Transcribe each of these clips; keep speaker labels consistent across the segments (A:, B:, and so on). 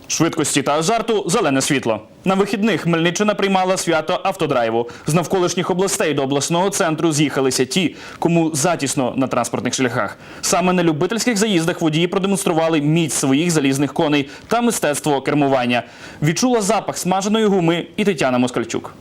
A: Швидкості та азарту – зелене світло. На вихідних Хмельниччина приймала свято автодрайву. З навколишніх областей до обласного центру з'їхалися ті, кому затісно на транспортних шляхах. Саме на любительських заїздах водії продемонстрували міць своїх залізних коней та мистецтво кермування. Відчула запах смаженої гуми і Тетяна Москальчук.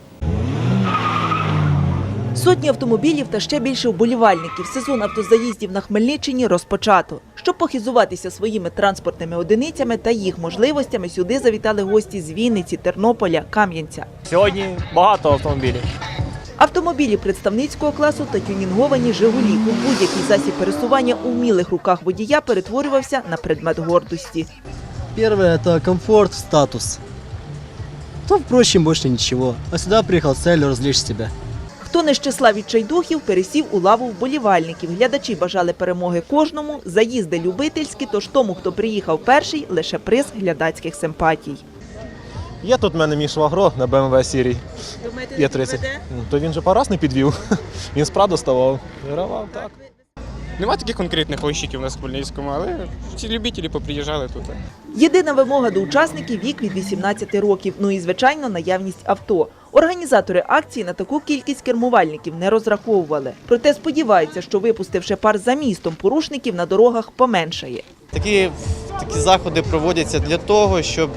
B: Сотні автомобілів та ще більше вболівальників. Сезон автозаїздів на Хмельниччині розпочато. Щоб похизуватися своїми транспортними одиницями та їх можливостями, сюди завітали гості з Вінниці, Тернополя, Кам'янця.
C: Сьогодні багато автомобілів.
B: Автомобілі представницького класу та тюнінговані «Жигулі». У будь-який засіб пересування у вмілих руках водія перетворювався на предмет гордості.
D: Первое – это комфорт, статус. То, впрочем, больше ничего. А сюда приехал с целью развлечь себя.
B: Хто не з числа відчайдухів, пересів у лаву вболівальників. Глядачі бажали перемоги кожному, заїзди любительські, тож тому, хто приїхав перший, лише приз глядацьких симпатій.
E: Є тут в мене мій швагро на BMW Сірій. Є 30. То він же параз не підвів. Він справді ставав. Вигравав, так.
F: Нема таких конкретних гонщиків у нас в Хмельницькому, але всі любителі поприїжджали тут.
B: Єдина вимога до учасників – вік від 18 років. Ну і, звичайно, наявність авто. Організатори акції на таку кількість кермувальників не розраховували. Проте сподіваються, що випустивши пар за містом, порушників на дорогах поменшає.
G: Такі заходи проводяться для того, щоб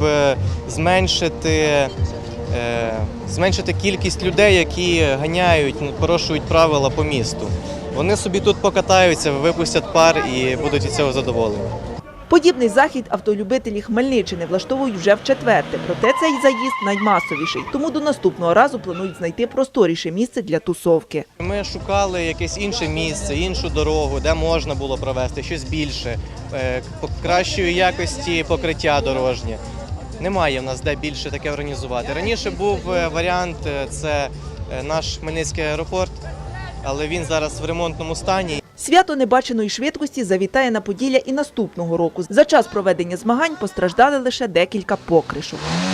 G: зменшити кількість людей, які ганяють, порушують правила по місту. Вони собі тут покатаються, випустять пар і будуть від цього задоволені.
B: Подібний захід автолюбителі Хмельниччини влаштовують вже вчетверте. Проте цей заїзд наймасовіший. Тому до наступного разу планують знайти просторіше місце для тусовки.
G: Ми шукали якесь інше місце, іншу дорогу, де можна було провести щось більше, кращої якості покриття дорожнє. Немає в нас де більше таке організувати. Раніше був варіант – це наш Хмельницький аеропорт, але він зараз в ремонтному стані.
B: Свято небаченої швидкості завітає на Поділля і наступного року. За час проведення змагань постраждали лише декілька покришок.